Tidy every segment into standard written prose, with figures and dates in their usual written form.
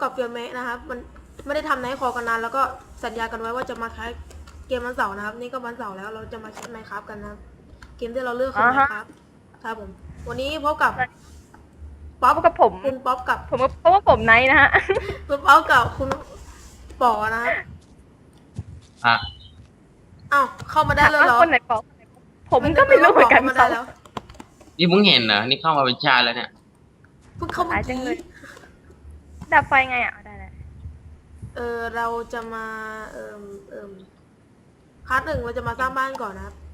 กับเฟียเมะนะครับมันไม่ได้ทำไนท์คอกันนานแล้วก็สัญญากันไว้ว่าจะมาแคสเกมวันเสาร์นะครับนี่ก็วันเสาร์แล้วเราจะมาแคสไมค์ครับกันนะครับเกมที่เราเลือกคือไมค์ครับครับผมวันนี้พบกับป๊อปกับผมคุณป๊อปกับผมเพราะว่าผมไนท์นะฮะคุณป๊อปกับคุณป๋อนะครับอ้าวเข้ามาได้เลยเหรอคนไหนปอกผมก็ไม่รู้เหมือนกันมาได้แล้วนี่มึงเห็นเหรอนี่เข้ามาเป็นชาติแล้วเนี่ยเพิ่งเข้ามาจังเลยดับไฟไงอ่ะได้แล้วเราจะมาพาร์ทหนึ่งเราจะมาสร้างบ้านก่อนนะครับ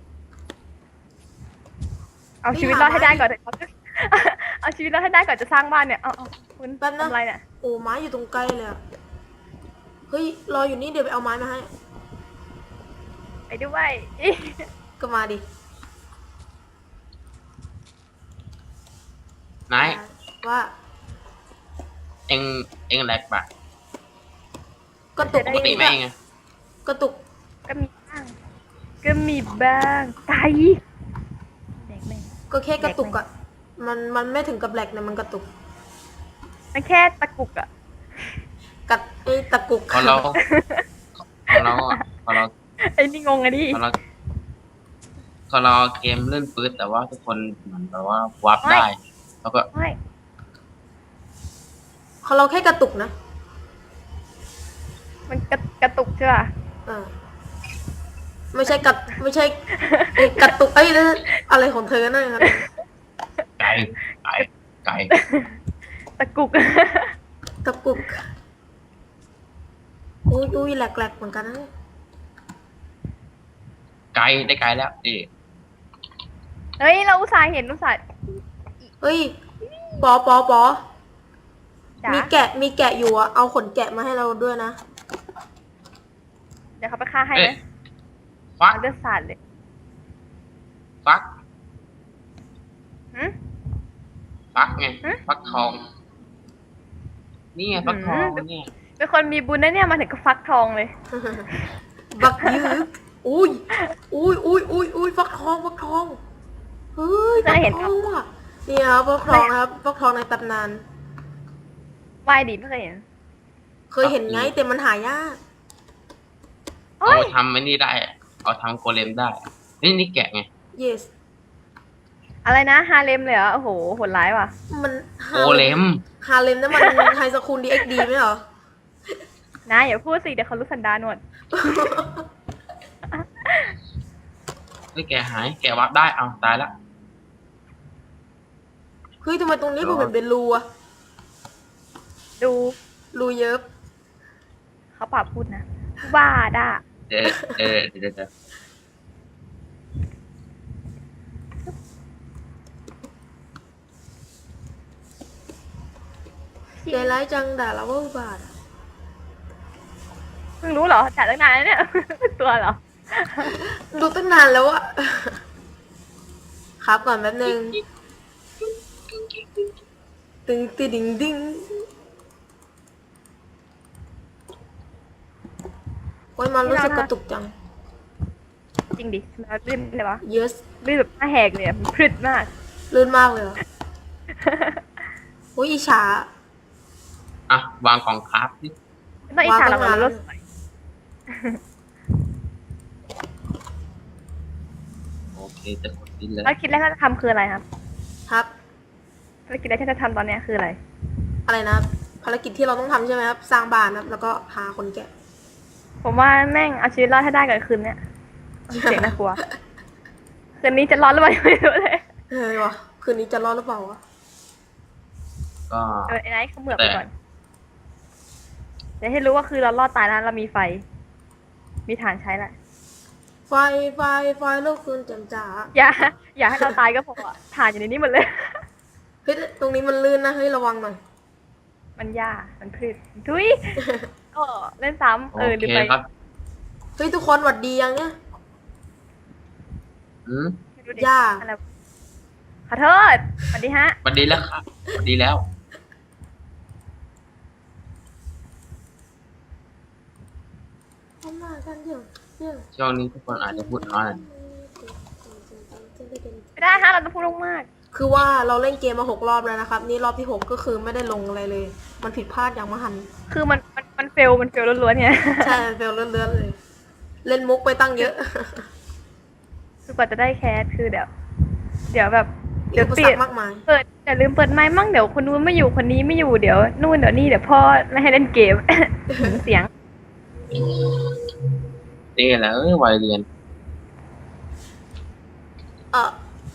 เอาชีวิตรอดให้ได้ก่อนเอาชีวิตรอดให้ได้ก่อนจะสร้างบ้านเนี่ยเอาคุณแป๊บนะทำอะไรเนี่ยโอ้ไม้อยู่ตรงใกล้เลยอะเฮ้ยรออยู่นี่เดี๋ยวไปเอาไม้มาให้ไปด้วยก็มาดินายว่าเอ็งแหลกปะก็ตุกปกติไหมเองอะก็ตุกก็มีบ้างไก่เด็กแม่งก็แค่กระตุกอะมันไม่ถึงกับแหลกนะมันกระตุกมันแค่ตะกุกอะกัดไอ้ตะกุกพอเราไอ้นี่งงอะดิพอเราเกมเล่นปืนแต่ว่าทุกคนเหมือนแบบว่าวับได้แล้วก็เขาเราแค่กระตุกนะมันกระตุกใช่ป่ะไม่ใช่กระตุกไอ้อะไรของเธอนั่นครับไก่ตะกุกตะกุกอุ้ยแหลกเหมือนกันนะไก่ได้ไก่แล้วเฮ้ยเราอุตส่าห์เห็นเฮ้ยปอมีแกะอยู่อะเอาขนแกะมาให้เราด้วยนะเดี๋ยวเขาไปฆ่าให้นะฟักเลือดสาดเลยฟักไงฟักทองนี่ไงฟักทองเนี่ยเป็นคนมีบุญนะเนี่ยมาถึงก็ฟักทองเลยบักยืดอุ้ยฟักทองเฮ้ยฟักทองว่ะนี่ครับฟักทองนะครับฟักทองในตำนานวายดีไม่เคยเห็นไงแต่มันหายากเอาทำไม่นี่ได้เอาทำโกเลมได้นี่แกะไง yes อะไรนะฮาเลมเลยเหรอโอ้โหโหดร้ายว่ะมันโกเลมนั่นมันไฮสคูลดีเอ็กดีไหมเหรอนะอย่าพูดสิเดี๋ยวเขารู้สันดานหมดแกหายแกวับได้เอาตายแล้วเฮ้ยทำไมตรงนี้กูเป็นรูอะรูเยอะเขาปรับพูดนะว่าด่าเดี๋ยวใจร้ายจังด่าเราว่าอุบาทเพิ่งรู้เหรอจ่ายตั้งนานแล้วเนี่ยตัวเหรอดูตั้งนานแล้วอะครับก่อนแป๊บนึงตึงติดิงดิ้งโอ้ยมันรู้สึกกระตุกจังจริงดิมันลื่นเลยวะ yes ลื่นแบบหน้าแหกเลยมันพรึดมากลื่นมากเลยเหรอโอ้ยอิจฉาอ่ะวางกล่องคราฟสิต้องอิจฉาเราแล้วรถสวยโอเคจะกดดิ้นเลยแล้วคิดแรกที่จะทำคืออะไรครับครับภารกิจแรกที่จะทำตอนนี้คืออะไรนะภารกิจที่เราต้องทำใช่ไหมครับสร้างบ้านครับแล้วก็หาคนแกะผมว่าแม่งเอาชีวิตรอดให้ได้กับคืนเนี้ยเสียงน่ากลัวคืนนี้จะรอดหรือเปล่าไม่รู้เลยวะคืนนี้จะรอดหรือเปล่าวะก็ไอ้ไนท์เขาเหมือบไปก่อนเดี๋ยวให้รู้ว่าคือเรารอดตายแล้วเรามีไฟมีฐานใช้แหละไฟลูกคืนแจ่มจ๋าอย่าให้เราตายก็พอฐานอยู่ในนี้หมดเลยเฮ้ยตรงนี้มันลื่นนะเฮ้ยระวังหน่อยมันหญ้ามันพืชทุยก็เล่นซ้ำลืมไปเฮ้ยทุกคนหวัดดียังเนี่ยย่าขอโทษสวัสดีฮะสวัสดีแล้วครับสวัสดีแล้วช่วงนี้ทุกคนอาจจะพูดน้อยไม่ได้ฮะเราต้องพูดมากคือว่าเราเล่นเกมมา6 รอบแล้วนะครับนี่รอบที่6ก็คือไม่ได้ลงอะไรเลยมันผิดพลาดอย่างมหันต์คือมันเฟลล้วนๆเนี่ยใช่เฟลเลื่อนๆเลย เล่นมุกไปตั้งเยอะคือกว่าจะได้แคสคือเดี๋ยวแบบเดี๋ยวปิประสาดทมากมายอย่าลืมเปิดไมค์มั่งเดี๋ยวคนนู้นไม่อยู่คนนี้ไม่อยู่เดี๋ยวนู่นเดี๋ยวนี่เดี๋ยวพ่อไม่ให้เล่นเกม เสียงเต้แล้ววัยเรียนเออ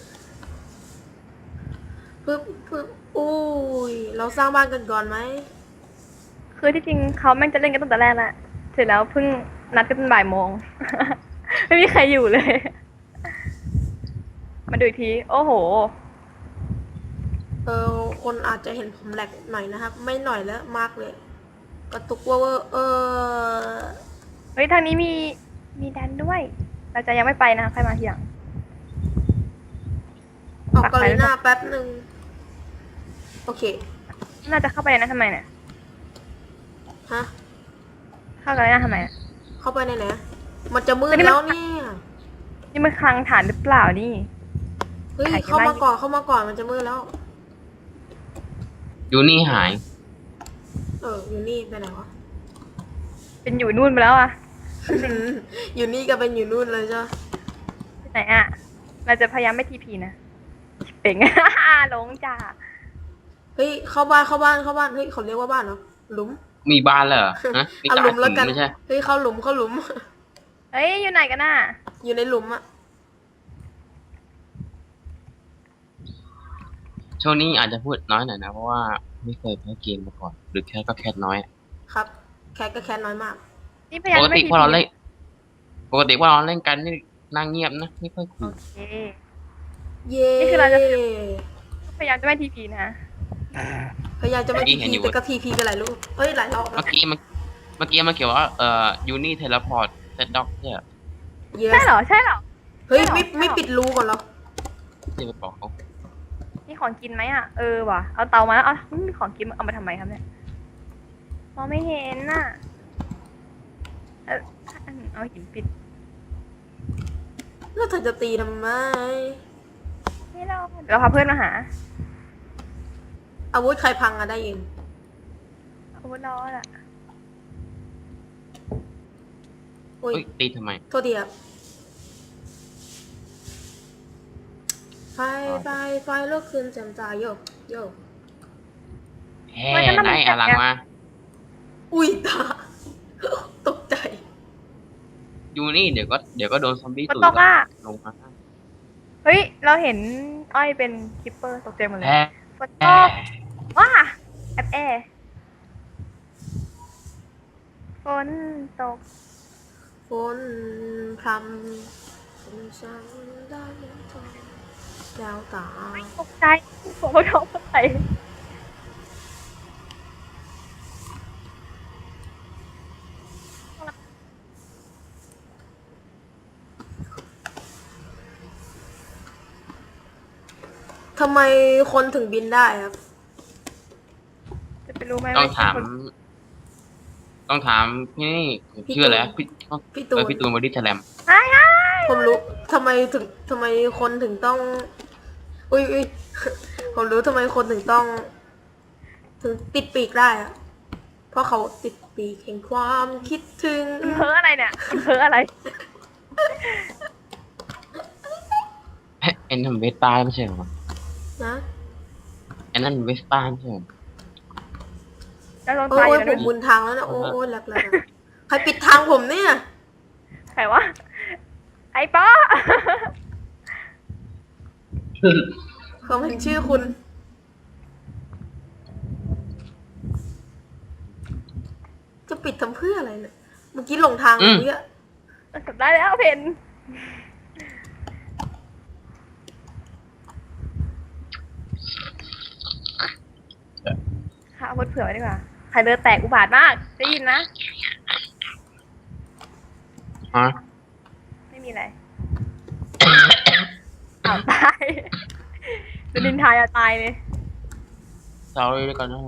ปึ๊บอุ้ยเราสร้างบ้านกันก่อนไหมคือที่จริงเขาแม่งจะเล่นกันตั้งแต่แรกแหละเสร็จแล้วเพิ่งนัดกันเป็นบ่ายโมง ไม่มีใครอยู่เลย มาดูอีกที โอ้โหคนอาจจะเห็นผมแหลกหน่อยนะครับ ไม่หน่อยแล้วมากเลย กระตุกเวอร์เฮ้ยทางนี้มีดันด้วย เราจะยังไม่ไปนะใครมาทีหลังออกกอลิน่าแป๊บหนึ่งโอเคน่าจะเข้าไปในนั้นทำไมเนี่ยฮะเข้ากันได้ทำไมอะเข้าไปในไหนมันจะมืดอันนี้มันแล้วเนี่ยนี่มันคลังฐานหรือเปล่านี่เฮ้ยถ่ายกันเข้าบ้างมาก่อนมันจะมืดแล้วยูนี่หายอยู่นี่ไปไหนวะเป็นอยู่นู่นไปแล้วอะอยู่นี่ก็เป็นอยู่นู่นเลยจ้ะที่ไหนอะเราจะพยายามไม่ทีพีนะเป่ง หลงจ้าเฮ้ยเข้าบ้านเฮ้ยเขาเรียกว่าบ้านเหรอหลุมมีบ้านแล้วเหรอฮะมีเอากาหลุรมแล้วหินกันไม่ใช่เฮ้ยเข้าหลุมเฮ้ยอยู่ไหนกันน่ะอยู่ในหลุมอะช่วงนี้อาจจะพูดน้อยหน่อยนะเพราะว่าไม่เคยแพ้เกมมาก่อน หรือแค่ก็แค่น้อยครับ แคทก็แคทน้อยมากนี่พยายามปกไม่ติทีพอเราพีเล่นปกติว่าเราเล่นกันนี่นั่งเงียบนะไม่ค่อยคุโอย เคเย้นี่คือเราจะ พยายามจะไม่ทีพีนะพยายามจะไม่ทีพีแต่ก็ทีพีกันหลายลูกเอ้ยหลายรอบเมื่อกี้มันเกี่ยวว่ายูนี่เทเลพอร์ตเซตด็อกเนี่ยเย้ใช่เหรอใช่เหรอเฮ้ยใช่เหรอไม่ปิดรูก่อนเหรอที่ไปบอกเขานี่ของกินไหมอ่ะว่ะเอาเตามาแล้วเอามีของกินเอามาทำไมครับเนี่ยมองไม่เห็นน่ะเอาหินปิดแล้วเธอจะตีทำไมไม่รอเดี๋ยวเราพาเพื่อนมาหาอาวุธใครพังอะได้เองอาวุธรอดอ่ะโอ้ยเฮ้ยตีทำไมโทษทีครับไฟลุกขึ้นแจ่มจ้าโยกแฮ่ไหนอะหลังมาอุ้ยตา ตกใจยูนี่เดี๋ยวก็โดนซอมบี้ฝนตุ๋ยตกอ่ะลงมาเฮ้ยเราเห็นอ้อยเป็นคิปเปอร์ตกใจหมดเลยแฮ่ฝนตกว้าแอบฝนตกฝนพรำฝนฉันได้ทนแก้วตาตกใจผมก็ท้องไปทำไมคนถึงบินได้ครับจะไปรู้ไหมต้องว่าถามคนต้องถามพี่นี่พี่ชื่ออะไรตูนพี่พี่ตูนพี่ตูนบอดี้แสลมผมรู้ทำไมคนถึงต้อง อุ้ย ผมรู้ทำไมคนถึงต้อง ถึงติดปีกได้อะเพราะเขาติดปีกแห่งความคิดถึงเพ้ออะไรเนี่ยเพ้ออะไรไอ้นั่นเวสป้าไม่ใช่เหรอนะไอ้นั่นเวสป้าไม่ใช่เหรอแล้วลองโอ้ตายยอยู่ผนะมมุนทางแล้วนะโอ้ยแหลกๆอะใครปิดทางผมเนี่ยใครวะไอ้ป้าเขาเห็นชื่อคุณ จะปิดทำเพื่ออะไรเนี่ย เมื่อกี้หลงทางเมื่อกี้จบได้แล้วเพนค่ะเอาวุธเผื่อไว้ดีกว่าใครเดินแตกอุบาทมากได้ยินนะฮะไม่มีอะไร อ้าวตายจะดินทายอะตายเลยเราเลยด้วยกันนะ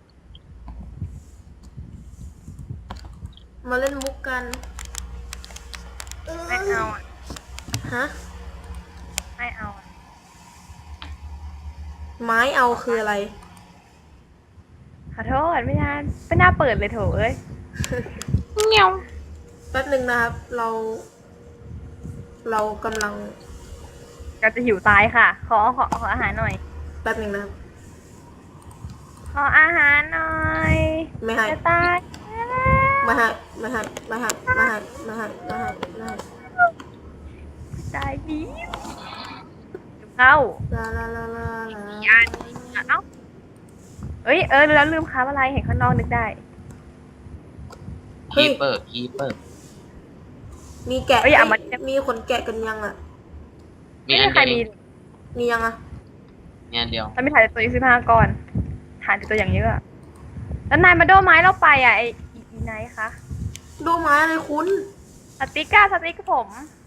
มาเล่นมุกกันไม่เอาอ่ะฮะไม่เอาอ่ะไม้เอาคืออะไรขอโทษไม่น่าเปิดเลยโถเอ้ยแป๊บหนึ่งนะครับ เรากำลังก็จะหิวตายค่ะ ขออาหารหน่อยแป๊บหนึ่งนะครับขออาหารหน่อยไม่ให้จะตายไม่ให้ไม่ให้ไม่ให้ไม่ให้ไม่ให้ไม่ให้ไม่ให้ตายดีเข้าลาลาลาลาลายานเอ้าแล้วลืมค้าอะไรเห็นข้างนอกนึกได้คีเปอร์มีแกะเอ้ยเอามามีขนแกะกันยังอ่ะมีไม่อัมีนใครเดียวมีมียังอ่ะมีอันเดียวแล้วมีถ่ายตัวอีก15ก่อนถ่ายตัวอย่างเยอะอะแล้วนายมาโดนไม้เราไปอ่ะไอ้อีไนท์คะดูไม้อะไรคุณสติ๊กผม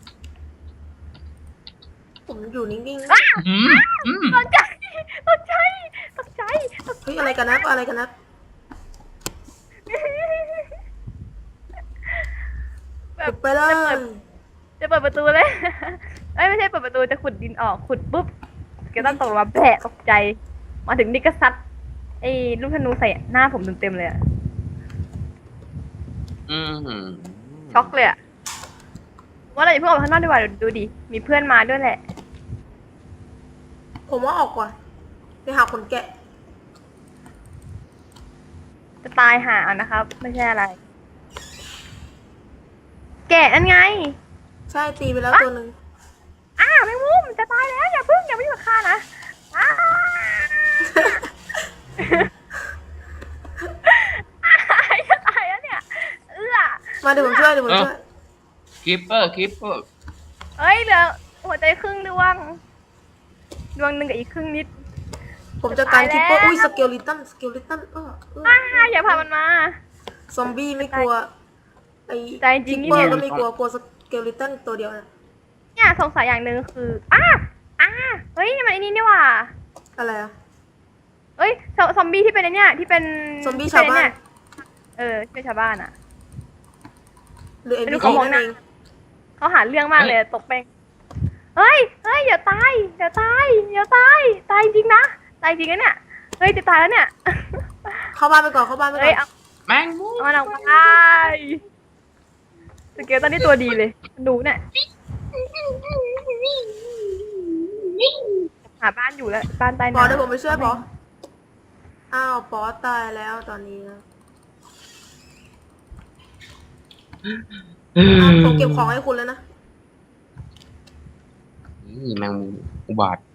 ผมอยู่นิ่งอืมอืมตกใจตกใจๆ เฮ้ยอะไรกันนะอะไรกันนะแบปิบดไปเลยจะเปิดประตูเลย เอ้ยไม่ใช่เปิดประตูจะขุดดินออกขุดปุ๊บเกตันตกลงมาแผลตกใจ มาถึงนี่ก็ซัดไอ้ลูกธนูใส่หน้าผมเต็มๆเลยอะอืมช็อกเลยอะว่าเราอย่าเพิ่งออกไปข้างนอกดีกว่าดูดิมีเพื่อนมาด้วยแหละผมว่าออกก่อนไปหาขนแกะจะตายหาเอานะครับ ไม่ใช่อะไร แกะนั่นไงใช่ตีไปแล้วตัวหนึ่งแมงมุมจะตายแล้วอย่าพึ่งกับข้านะอ้าจะตายแล้วเนี่ยมาเดี๋ยวผมช่วยเดี๋ยวผมช่วยคีเปอร์เอ้ยเหลือหัวใจครึ่งดวงหนึ่งกับอีกครึ่งนิดผมจะการตายแล้วคิปเปอร์อุ้ยสเกลลิตันอย่าพามันมาซอมบี้ไม่กลัวไอ้ใจจริคิงปนี่เปอเนี่ยร์ก็ไม่กลัวกลัวสเกลลิตันตัวเดียวนะเนี่ยสงสัยอย่างหนึ่งคือเฮ้ยนี่มันไอ้นี่นี่หว่าอะไรอะเอ้ยซอมบี้ที่เป็นไอ้เนี่ยที่เป็นซอมบี้ชาวบ้านที่เป็นชาวบ้านอ่ะหรือเอ็นไม่รู้บีเขามองนั่นหน้าเองเขาหาเรื่องมากเลยตกแป้งเฮ้ยอย่าตายตายจริงนะตายจริงนะเนี่ยเฮ้ยจะตายแล้วเนี่ยเข้าบ้านไปก่อนเข้าบ้านไปก่เฮ้ยอนแมงมุมเอาหนังไปสเกลตอนนี้ตัวดีเลยดูเนี่ยหาบ้านอยู่แล้วบ้านใต้ปอน้ำเดี๋ยวผมไปช่วยปออ้าวปอตายแล้วตอนนี้นะผมเก็บของให้คุณแล้วนะนี่แมงมุมอุบาท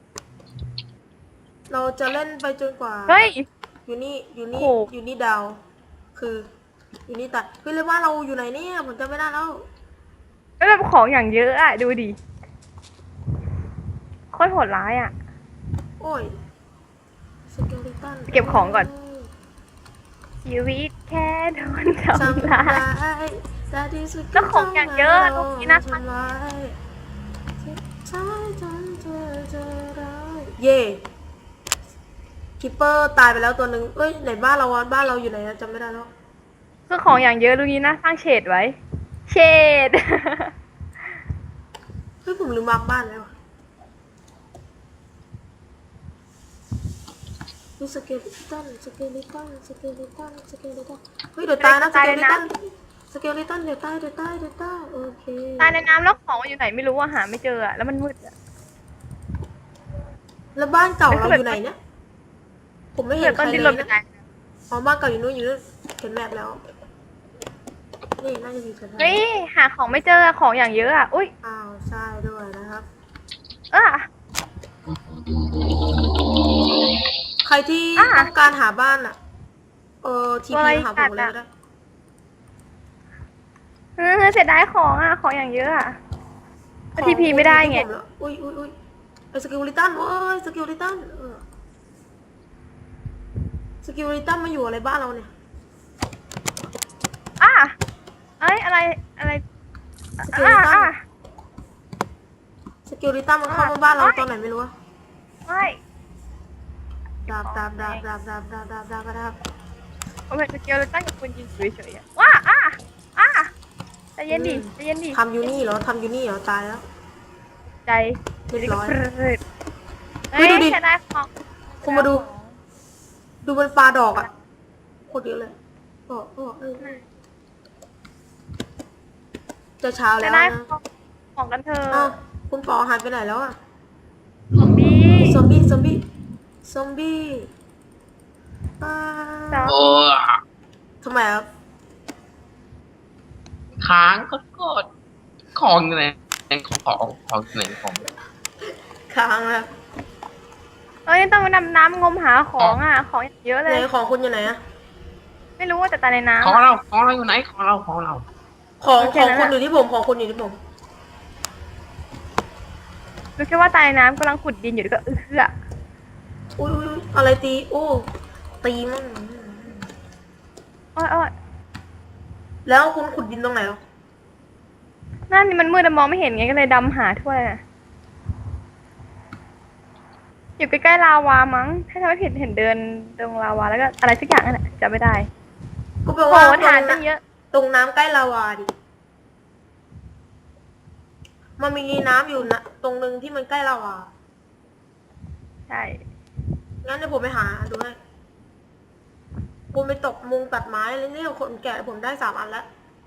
เราจะเล่นไปจนกว่าเฮ้ยอยู่นี่โอ้อยู่นี่ดาว คือ อยู่นี่ตัดเฮ้ยเรียกว่าเราอยู่ไหนเนี่ยผมจำไม่ได้แล้วไม่แบบของอย่างเยอะอ่ะดูดิโคตรโหดร้ายอ่ะโอ้ยสเกลลิตันเก็บของก่อน ชีวิตแค่โดนทำร้ายแต่ที่สุดแล้วของอย่างเยอะตรงนี้นะทำร้ายใช่จนเธอจะร้ายเย่คิปเปอร์ตายไปแล้วตัวหนึ่งเอ้ยไหนบ้านเราวะบ้านเราอยู่ไหนนะจำไม่ได้แล้วคือของอย่างเยอะดูนี้นะสร้างเฉดไว้ เฉดเฮ้ยผมลืมมาร์กบ้านแล้วอะเฮ้ยสเกลลิตันเฮ้ยเดี๋ยวตายนะสเกลลิตันเดี๋ยวตายโอเคตายในน้ำแล้วของมันอยู่ไหนไม่รู้อะหาไม่เจออะแล้วมันมืดอะแล้วบ้านเก่าเราอยู่ไหนเนี่ย ผมไม่เห็นใครต้นเลดิ้นยรนไปไหนนะอ๋อบ้านเก่าอยู่นู้นเห็นแมปแล้ว นี่น่าจะมีสถานเฮ้ยหาของไม่เจอของอย่างเยอะอะอุ้ยอ้าวใช่ด้วยนะครับอ่ะใครที่อ่ะต้องการหาบ้านอ่ะ ทีอะไรพีหาผมเลยอ่ะก็ได้เสียดายของอะของอย่างเยอะอะทีพีไม่ได้ไงของผมแล้วอุ้ยไอ้สกิลลิตันเว้ยสกิลลิตันสกิลลิตันมาอยู่อะไรบ้านเราเนี่ยอ่ะเอ้ยอะไรสกิลลิตันสกิลลิตันมันเข้ามาบ้านเราตอนไหนไม่รู้อะไม่ดาบผมเห็นสเกลเลยตั้งกับคุณยิงเฉยๆอะว้าใจเย็นดิทำยูนี่เหรอตายแล้วใจเรียบร้อยเฮ้ยเฮ้ยดูดิเสียดายของคุณมาดู ดูมันปลาดอกอ่ะตรเยอะเลยจะเช้าจะแล้วได้นะของกันเถออ้าวะคุณปอหายไปไหนแล้วอ่ะซอมบี้ซอมบี้ซอมบี้ซอมบี้อ่าจ้าโอ้ทำไมครับค้างก็กดของอยู่ไหนของอยู่ไหนของค้างนะเอ้ยต้องมาดำน้ำงมหาของอ่ะ ของอย่างเยอะเลไหนยของคุณอยู่ไหนอะไม่รู้ว่าจะตายในน้ำของอะเราอยู่ไหนของเราของโอเคของนะคุณอยู่ที่ผมของคุณอยู่ที่ผมรู้แค่ว่าตายในน้ำกำลังขุดดินอยู่แล้วก็เอื้ออุ้ยอะไรตีโอ้ตีมันอ้อยแล้วคุณขุดดินตรงไหนหรอนั่นนี่มันมืดอะมองไม่เห็นไงก็เลยดำหาถ้วยอะอยู่ใกล้ๆลาวามั้ง ถ้าจำไม่ผิดเห็นเดินตรงลาวาแล้วก็อะไรสักอย่างนั่นแหละจำไม่ได้ก็แปลโอ้ว่าโหฐานตรตั้งงเยอะตรงน้ำใกล้ลาวาดิ มันมีน้ำอยู่นะตรงนึงที่มันใกล้ลาวาใช่งั้นเดี๋ยวผมไปหาดูให้คุณไปตกมุงตัดไม้แล้วนี่คนแก่ผมได้3 อันแล้ว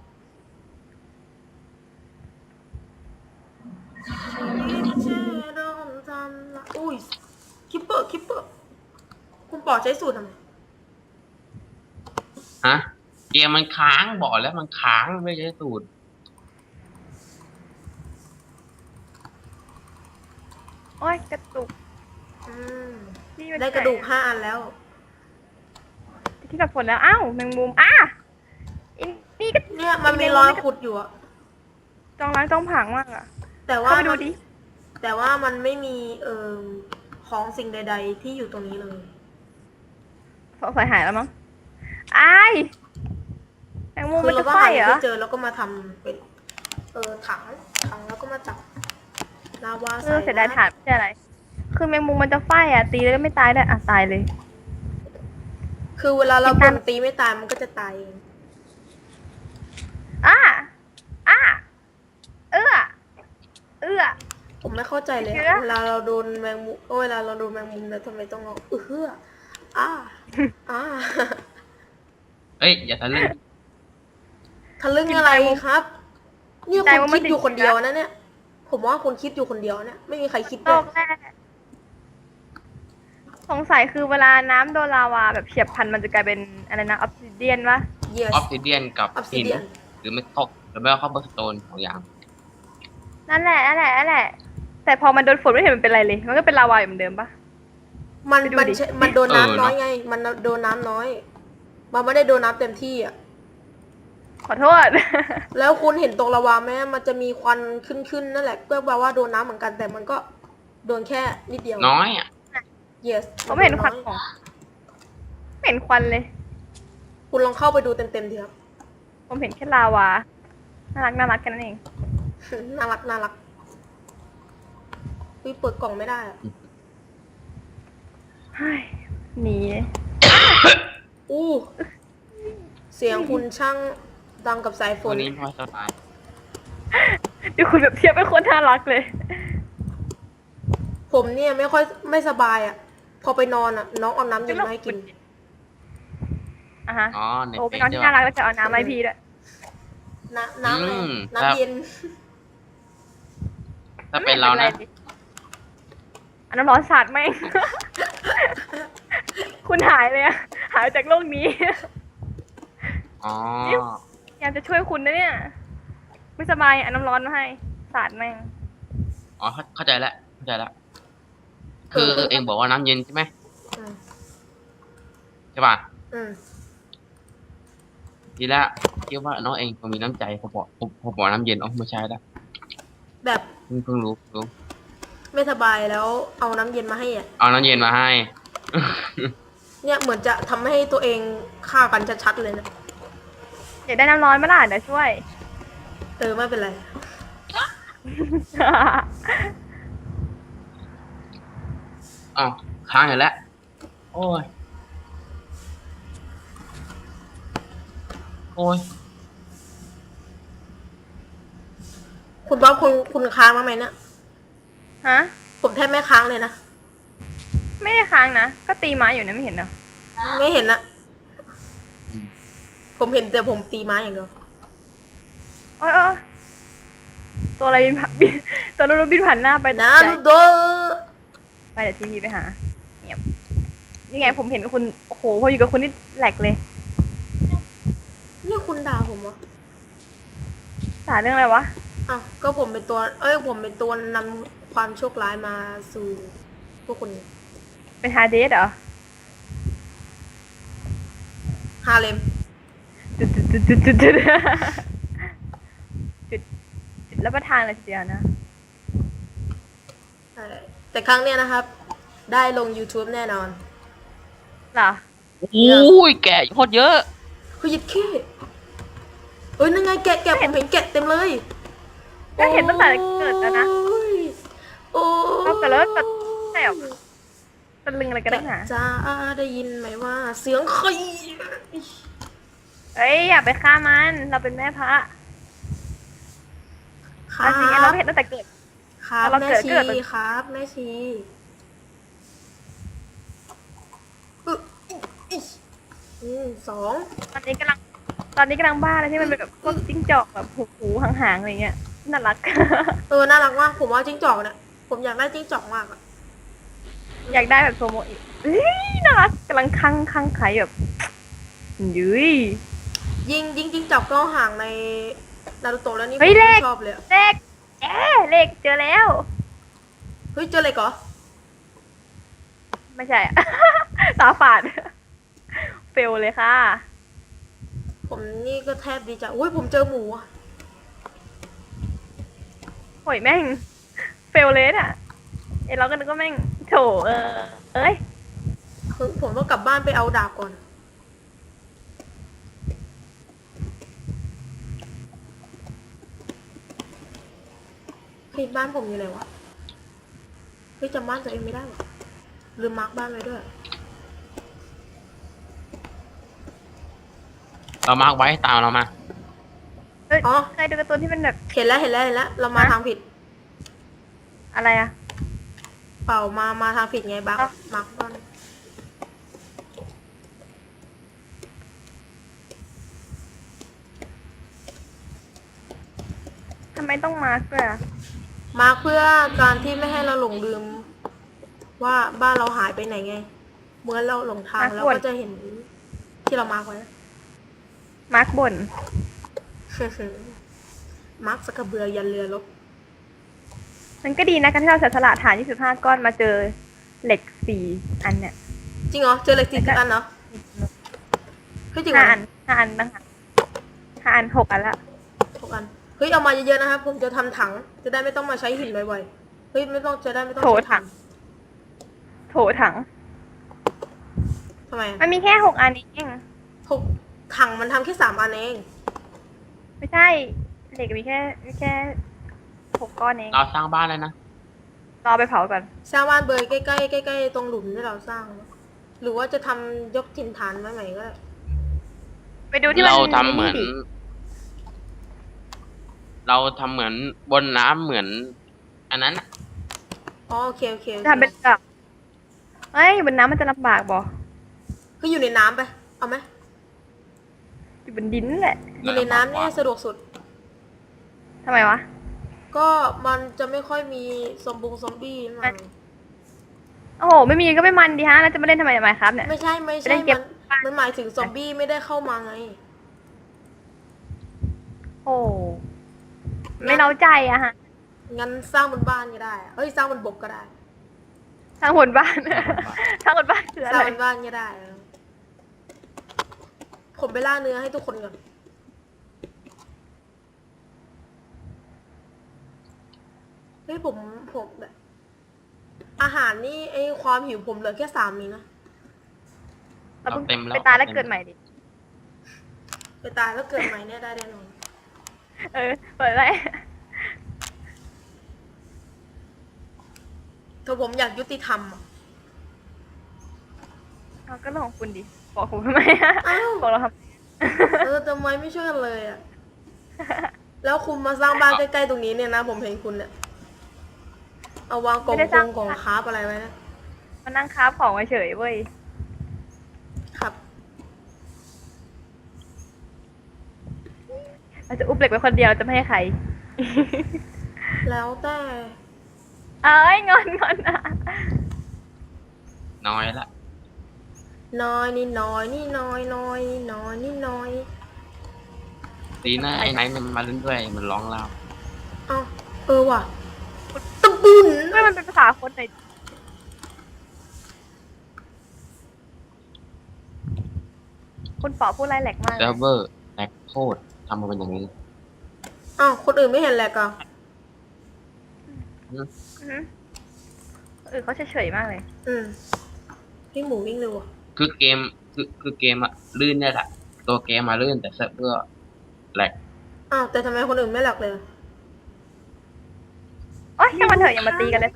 อุ้ยคิปเปอร์คุณปอใช้สูตรทำไมฮะเกมมันค้างบอกแล้วมันค้างไม่ใช่สูตรโอ้ยกระตุกอืมนี่มันได้กระดูก5 อันแล้วที่กับฝนแล้ว อ้าวแมงมุมอินนี่ก็เนี่ยมันมีรอยขุดอยู่อะจองล้างจองผางมากอะแต่ว่าเข้าไปดูดิแต่ว่ามันไม่มีของสิ่งใด ๆ ที่อยู่ตรงนี้เลยสงสัยหายแล้วมั้งอ้ายแมงมุมคืมันเราจะก็ไฟหาเหรอไม่เจอแล้วก็มาทำเป็นถังแล้วก็มาจับลาวาใส่เสียดายฐานไม่ใช่อะไร คือแมงมุมมันจะไฟอ่ะ ตีแล้วก็ไม่ตายได้วยอ่ะตายเลยคือเวลาเราบ่นตีไม่ตายมันก็จะตายเองอ้าเอื้อผมไม่เข้าใจเลยเชื่อเวลาเราโดนแมงมุมเวลาเราโดนแมงมุมแล้วทำไมต้องร้องอ่าเอ้ยอย่าทะลึ่งทะลึ่งอะไรครับเนี่ยใจคุณว่ามัคินดอยู่จะคนเดียวนะเนี่ย ผมว่าคุณคิดอยู่คนเดียวเนี่ยไม่มีใครคิดโลด้วยกแรกสงสัยคือเวลาน้ำโดนลาวาแบบเฉียบพลันมันจะกลายเป็นอะไรนะออฟซิเดียนวะเยออฟซิเดียนกับหิน Obsidian หรือไม่ตกหรือไม่ก็คอบเบอร์สโตนของอย่างนั่นแหละ แต่พอมันโดนฝนไม่เห็นมันเป็นไรเลย มันก็เป็นลาวาอยู่เหมือนเดิมปะมันไปดูมันดิมันโดนน้ำน้อยไง มันโดนน้ำน้อย มันไม่ได้โดนน้ำเต็มที่อ่ะขอโทษแล้วคุณเห็นตรงลาวาไหมมันจะมีควันขึ้นนั่นแหละก็แปลว่าโดนน้ำเหมือนกันแต่มันก็โดนแค่นิดเดียวน้อยอ่ะ yes ผมไม่เห็นควันของไม่เห็นควันเลยคุณลองเข้าไปดูเต็มๆทีครับผมเห็นแค่ลาวา น่ารักกันนั่นเองน่ารักเปิดกล่องไม่ได้อะเฮ้ยหนีอู้เสียงคุณช่างดังกับสายฝตัวน นี้พอสบายดูคุณแบบเทียบเป็นคนน่ารักเลยผมเนี่ยไม่สบายอ่ะ พอไปนอนอ่ะ น้องเอาน้ำเย็นมาให้กินอ่ะฮะอ๋อในโอ้เฟเป็นซน้องใช่ที่น่าปะรักแล้วจะเอาน้ำมาให้พี่ด้วยน้ำอะไรอืมน้ำเย็นถ้าเป็นเรานะอันน้ำร้อนสาดแม่ง คุณหายเลยอะหายจากโลกนี้อ๋อพยายามจะช่วยคุณนะเนี่ย ไม่สบายอันน้ำร้อนมาให้ สาดแม่งอ๋อเข้าใจแล้วคือเองบอกว่าน้ำเย็นใช่ไหมอืมใช่ป่ะอืมทีแรกคิดว่าน้องเองคงมีน้ำใจผมบอกน้ำเย็นอ๋อไม่ใช่แล้วแบบเพิ่งรู้ไม่สบายแล้วเอาน้ำเย็นมาให้อ่ะเอาน้ำเย็นมาให้เนี่ยเหมือนจะทำให้ตัวเองฆ่ากันชัดๆเลยนะอยากได้น้ำร้อนไหมล่ะเดี๋ยวช่วยไม่เป็นไรอ้าวค้างอยู่แล้ว โอ้ยคุณบ๊อบคุณค้างบ้างไหมเนี่ยฮะผมแทบไม่ค้างเลยนะไม่ได้ค้างนะ ก็ตีไม้อยู่นะไม่เห็นเหรอไม่เห็นนะผมเห็นแต่ผมตีไม้อย่างเดียวโอ้ยตัวอะไรบินผ่านตัวนู้นบินผ่านหน้าไปนาใจรูโตะไปเดี๋ยวทีวีไปหาเงียบนี่ไงผมเห็นคุณโอ้โหพออยู่กับคุณนี่แหลกเลยนี่คุณด่าผมเหรอสาเรื่องอะไรวะอ้าวก็ผมเป็นตัว ผมเป็นตัวนำความโชคร้ายมาสู่พวกคุณเป็นฮาร์ดเดสเหรอฮาเลมจุดแล้วประทานเลยทีเดียวนะแต่ครั้งเนี้ยนะครับ ได้ลง YouTube แน่นอนเหรอโอ้ยแกะโคตรเยอะเฮ้ยยิดขี้เฮ้ยนั่นไงแกะผมเห็นแกะเต็มเลยก็เห็นตั้งแต่เกิดแล้วนะโอ้ยเราเกิดแล้วก็ใช่หรอตะลึงอะไรกันนักหนาจ้าได้ยินไหมว่า เสียงใครเอ้ยอย่าไปฆ่ามันเราเป็นแม่พระครัอันนี้เราบเห็นตั้งแต่เกิดครับเราแม่เกิดชีเกิดมันครับแม่ชีอึ๊ะสองตอนนี้กำลังบ้าเลยที่มันเป็นแบบพวกจิ้งจอกแบบหูหางๆอะไรเงี้ยน่ารักน่ารักมากผมว่าจิ้งจอกเนี่ยผมอยากได้จิ้งจอกมากอะอยากได้แบบโซโมอีกเฮ้ยน่ารักกำลังคังไข่แบบยุ้ยยิงจิ้งจอกก็ห่างในนารูโตะแล้วนี่ผมเฮ้ยเลขชอบเลยอะเลขเลขเจอแล้วเฮ้ยเจออะไรก่อไม่ใช่อะ ตาฝาด เฟลเลยค่ะผมนี่ก็แทบดีใจอุ้ยผมเจอหมูอะโหยแม่ง เฟลเลยอ่ะเราก็นึกว่าแม่งโถเอ้ยผมต้องกลับบ้านไปเอาดาบก่อนเฮ้ยบ้านผมอยู่ไหนวะเฮ้ยจำบ้านตัวเองไม่ได้หรอลืมมาร์กบ้านไว้ด้วยเรามาร์กไว้ตามเรามาเฮ้ยอ๋อเคยดูการ์ตูนที่มันแบบเห็นแล้วเรามาฮะทางผิดอะไรอะเปล่ามาทางผิดไงบักอ๋อมาร์กบ้านทำไมต้องมาร์กด้วยอะมาร์กเพื่อการที่ไม่ให้เราหลงลืม ว่าบ้านเราหายไปไหนไง เมื่อเราหลงทางเราก็จะเห็นที่เรามาร์กไว้มาร์กบ่นมาร์กสกกระเบือยันเรือรบมันก็ดีนะการที่เราเสียสละฐาน25 ก้อนมาเจอเหล็ก4 อันเนี่ยจริงเหรอเจอเหล็ก40อันเหรอเฮ้ยจริงเหรอ 5 อันต่างหาก5 อัน 6 อันละ 6 อันเฮ้ยเอามาเยอะๆนะครับผมจะทำถังจะได้ไม่ต้องมาใช้หินบ่อยๆเฮ้ยไม่ต้องจะได้ไม่ต้องโถใช้ถัง โถถังทำไมมันมีแค่ 6 อันเองหกถังมันทำแค่3 อันเองไม่ใช่ เหล็กมีแค่6 ก้อนเองเราสร้างบ้านแล้วนะรอไปเผาก่อนสร้างบ้านเบยใกล้ๆใกล้ๆตรงหลุมที่เราสร้าง หรือว่าจะทำยกถิ่นฐานไว้ใหม่ก็ได้ไปดูที่มันเราทำเหมือนดิเราทำเหมือนบนน้ำเหมือน อันนั้นน่ะอ๋อโอเคโอเคทำเป็นกับเฮ้ยบนน้ำมันจะลำบากบ่คืออยู่ในน้ำไปเอาไหมอยู่บนดินแหละอยู่ในน้ำเนี่ยสะดวกสุดทำไมวะก็มันจะไม่ค่อยมีซอมบี้มาโอ้โห ไม่มีก็ไม่มันดีฮะ แล้วจะมาเล่นทำไมครับเนี่ยไม่ใช่ไปเล่นเกมมันหมายถึงซอมบี้ไม่ได้เข้ามาไงโอ้ไม่เล้าใจอะฮะงั้นสร้างบนบ้านก็ได้เฮ้ยสร้างบนบกก็ได้ทางหนบ้าน ทางหนบ้านคือสอะร้างไรบนบ้านก็ได้ ผมไปล่าเนื้อให้ทุกคนก่อนเฮ้ยผมแบบอาหารนี่ไอความหิวผมเหลือแค่3 นะเราเพิ่งเต็มแล้วไปตายแล้วเกิดใหม่ดิไปตายแล้วเกิดใหม่เนี่ยได้แน่นอนเปิดไรถ้าผมอยากยุติธรรมอะเอาก็เรื่องของคุณดิ บอกผมทำไมอะอ้าวบอกเราทำทำไมไม่ช่วยกันเลยอ่ะ แล้วคุณมาสร้างบ้านใกล้ๆตรงนี้เนี่ยนะ ผมเห็นคุณเนี่ย เอาวางกล่องคราฟอะไรไว้นะมานั่งคราฟของเฉยๆเว้ยครับเราจะอุบเหล็กไว้คนเดียวเราจะไม่ให้ใครแล้วแต่เอ้ยงอนอ่ะน้อยละน้อยนี่น้อยนี่น้อยน้อยนี่น้อยนี่น้อยตีหน้าไอ้ไนท์มันมาเล่นด้วยมันร้องเล่าเอ้าว่ะตะบุนเฮ้ยมันเป็นภาษาคนไหนคุณป๋อพูดไรแหลกมากเซิร์ฟเวอร์แตกโคตรทำมาเป็นอย่างนี้อ้าวคนอื่นไม่เห็นแหละก็อือหือเขาเฉยๆมากเลยวิ่งหมูวิ่งเร็วอ่ะคือเกมคือเกมอะลื่นเนี่ยแหละตัวเกมมาลื่นแต่เซิร์ฟเวอร์แหลกอ้าวแต่ทำไมคนอื่นไม่หลักเลยโอ๊ยช่างมันเถอะอย่ามาตีกันเลย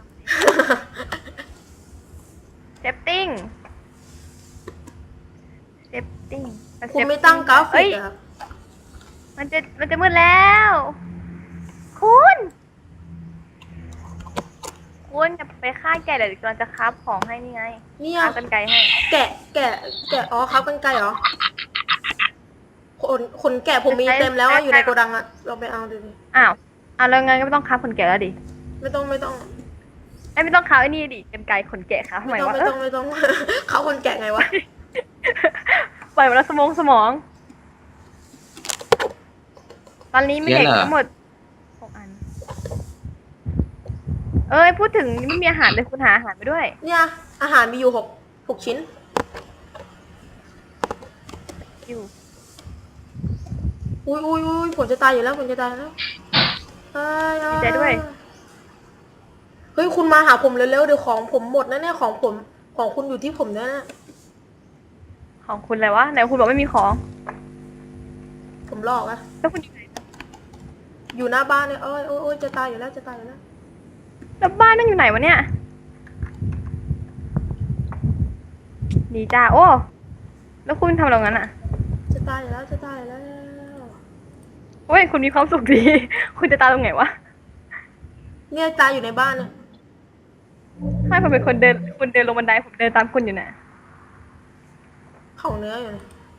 เซฟติ้งคุณไม่ตั้งกราฟิกเหรอครับมันจะมืดแล้ว คุณจะไปฆ่าแกะเดี๋ยวกำลังจะคราฟของให้นี่ไงเนี่ยคราฟกันไกลให้แกะอ๋อครับกันไกลเหรอขนแกะผมมีเต็มแล้วอะอยู่ในโกดังอะเราไปเอาดูดิอ้าวแล้วงั้นก็ไม่ต้องคราฟขนแกะแล้วดิไม่ต้องไม่ต้องคราฟไอ้นี่ดิกันไกลขนแกะคราฟทำไมวะไม่ต้อง เขาคนแกะไงวะปล่อยมาแล้วสมอง ตอนนี้มีเหล็กทั้งหมด6 อัน พูดถึงไม่มีอาหารเลยคุณหาอาหารไปด้วยเนี่ยอาหารมีอยู่หกชิ้นอยู่อุ้ยผมจะตายอยู่แล้วเอ้ยดีใจด้วยเฮ้ยคุณมาหาผมเร็วๆเดี๋ยวของผมหมดนะเนี่ยของคุณอยู่ที่ผมเนี่ยนะของคุณอะไรวะไหนคุณบอกไม่มีของผมหลอกอะแล้วคุณอยู่ไหนอยู่หน้าบ้านเนี่ยโอ้ยจะตายอยู่แล้วแล้วบ้านนั่นอยู่ไหนวะเนี่ยดีจ้าโอ้แล้วคุณทำอะไรงั้นอ่ะจะตายอยู่แล้วโอ้ยคุณมีความสุขดี คุณจะตายตรงไหนวะเนี่ยตายอยู่ในบ้านเนี่ยไม่ผมเป็นคนเดินคุณเดินลงบันไดผมเดินตามคุณอยู่น่ะเข่าเนื้ออยู่เนี่ย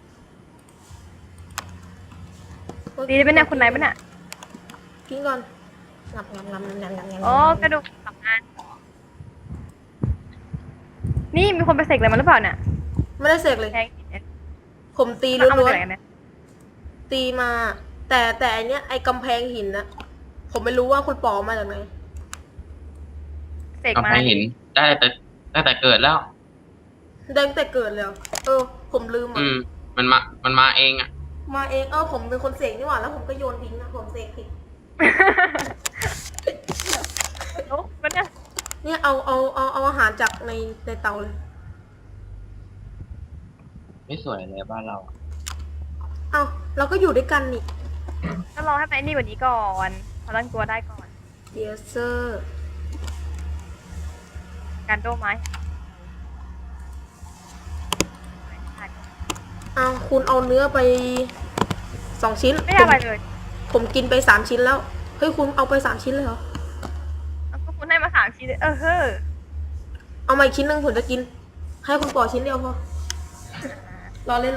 ดีได้เป็นเนี่ยคุณไหนเป็นเนี่ยกินก่อนงับอ๋อกระดูก2 อันนี่มีคนไปเสกอะไรมาหรือเปล่าเนี่ยไม่ได้เสกเลยแทงหินเนี่ยผมตีมันเอาล้มาวนจากไหนกันเนี่ยๆตีมา แต่อันเนี้ยไอ้กำแพงหินนะผมไม่รู้ว่าคุณปอมาจากไหนเสกเอามาไปเห็นได้แต่เกิดแล้วได้ตั้งแต่เกิดเลยเหรอผมลืมมันมาเองอะมาเองผมเป็นคนเสกนี่หว่าแล้วผมก็โยนทิ้งนะผมเสกผิดโอ้มันเนี่ยเนี่ยเอาอาหารจากในเตาเลยไม่สวยเลยบ้านเราเราก็อยู่ด้วยกันนี่ก็รอให้ไปนี่กว่านี้ก่อนพอตั้งตัวได้ก่อนเยสเซอร์การโดไม้คุณเอาเนื้อไป2 ชิ้นไม่ได้อะไรเลยผมกินไป3 ชิ้นแล้วเฮ้ยคุณเอาไป3 ชิ้นเลยเหรอแล้วก็คุณให้มา3 ชิ้นเลยเฮ้อเอามาอีกชิ้นหนึ่งผมจะกิน ให้คุณปอชิ้นเดียวพอ รอเล่น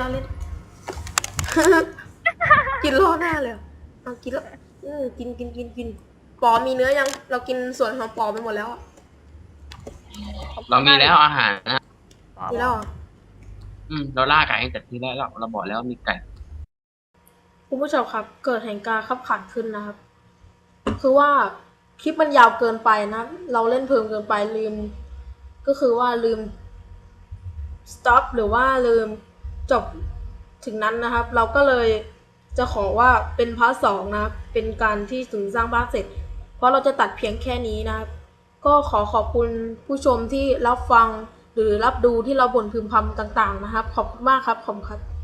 กินรอหน้าเลยเหรอเอากินแล้วกินปอมีเนื้อยัง เรากินส่วนของปอไปหมดแล้วอะเรามีแล้วอาหารนะมีแล้วเหรอเราล่าไก่ตั้งแต่ทีแรกแล้วเราบอกแล้วมีไก่คุณผู้ชมครับ เกิดเหตุการณ์ขับขันขึ้นนะครับ คือว่าคลิปมันยาวเกินไปนะ เราเล่นเพลินเกินไปลืม ก็คือว่าลืม stop หรือว่าลืมจบถึงนั้นนะครับ เราก็เลยจะขอว่าเป็นพาร์ท 2นะครับ เป็นการที่ถึงสร้างบ้านเสร็จ เพราะเราจะตัดเพียงแค่นี้นะครับ ก็ขอบคุณผู้ชมที่รับฟังหรือรับดูที่เราบ่นพึมพำต่างๆนะครับ ขอบคุณมากครับขอบคุณครับ